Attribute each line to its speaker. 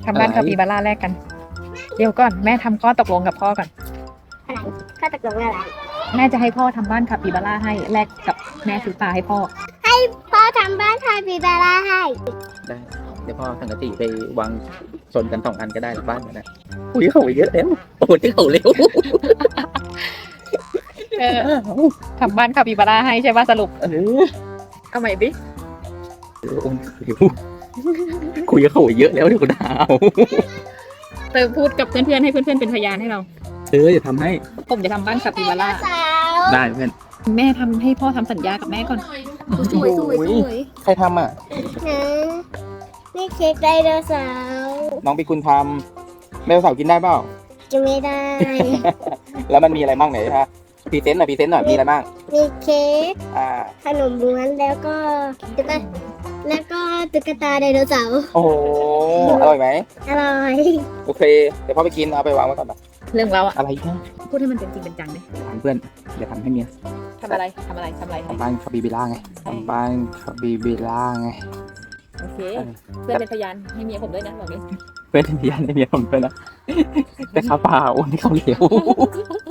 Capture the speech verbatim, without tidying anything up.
Speaker 1: ทำบ้าน
Speaker 2: อะไร
Speaker 1: คาปิบาร่าแลกกัน เดี๋ยวก่อนแม่ทำข้อตกลงกับพ่อก่อน
Speaker 3: อะไรข้อตกลงอะไร
Speaker 1: แม่จะให้พ่อทำบ้านคาปิบาร่าให้แลกกับแม่ซื้อปลาให้พ่อ
Speaker 3: พ่อทำบ้านคาปิบาร่าให้
Speaker 2: ได้เดี๋ยวพ่อสังกะสีไปวางชนกันสองอันก็ได้หลังบ้านมันนะอุ้ยเขาเยอะแล้วโอ้ยที่เขาเร็ว
Speaker 1: เออทำบ้านคาปิบาร่าให้ใช่ป่ะสรุป
Speaker 2: เออ
Speaker 1: เอาใหม่ดิ
Speaker 2: โอ้ยเร็วคุยกับเขาเยอะแล้วเดี๋ยวกูด่าเอา
Speaker 1: เติมพูดกับเพื่อนๆให้เพื่อนๆเป็นพยานให้เรา
Speaker 2: เอออย่าทำให้
Speaker 1: ผมจะทำบ้านคาปิบาร่า
Speaker 3: สาว
Speaker 2: ได้เพื่อน
Speaker 1: แม่ทำให้พ่อทำสัญญากับแม่ก่อน
Speaker 3: สวยสวยสวย
Speaker 2: ใครทำอ่ะ
Speaker 3: นะนี่เค้กไดโนเสาร์
Speaker 2: น้องปีคุณทำแม่สาวกินได้เปล่า
Speaker 3: จะไม่ได้
Speaker 2: แล้วมันมีอะไรบ้างไหนฮะพรีเซนต์หน่อยพรีเซนต์หน่อยมีอะไรบ้าง
Speaker 3: มีเค้ก
Speaker 2: อ่า
Speaker 3: ขนมม้วนแล้วก็ตุ๊กตาแล้วก็ตุ๊กตาไดโนเสาร์
Speaker 2: โอ้โหอร่อยไหม
Speaker 3: อร่อย
Speaker 2: โอเคเดี๋ยวพ่อไปกินเอาไปวางไว้ก่อนนะ
Speaker 1: เรื่องเราอะ
Speaker 2: อะไรเนี่ย
Speaker 1: พูดให้มันเป็นจริงเป็นจังดิ
Speaker 2: ถามเพื่อนเดี๋ยวทำให้เมีย
Speaker 1: ทำอะไรทำอะไรทำอะไรให้
Speaker 2: ทำบ้านคาบิบิล่าไงทำบ้านคาบิบิล่าไง
Speaker 1: โอเค เพื่อนเป็นพยานให้เมียผมด้วยนะบอกนี้
Speaker 2: เพื่อนที่เมียในเมียผมด้วยนะ แต่ข้าวเปล่าโอ้นี่เขาวเหลว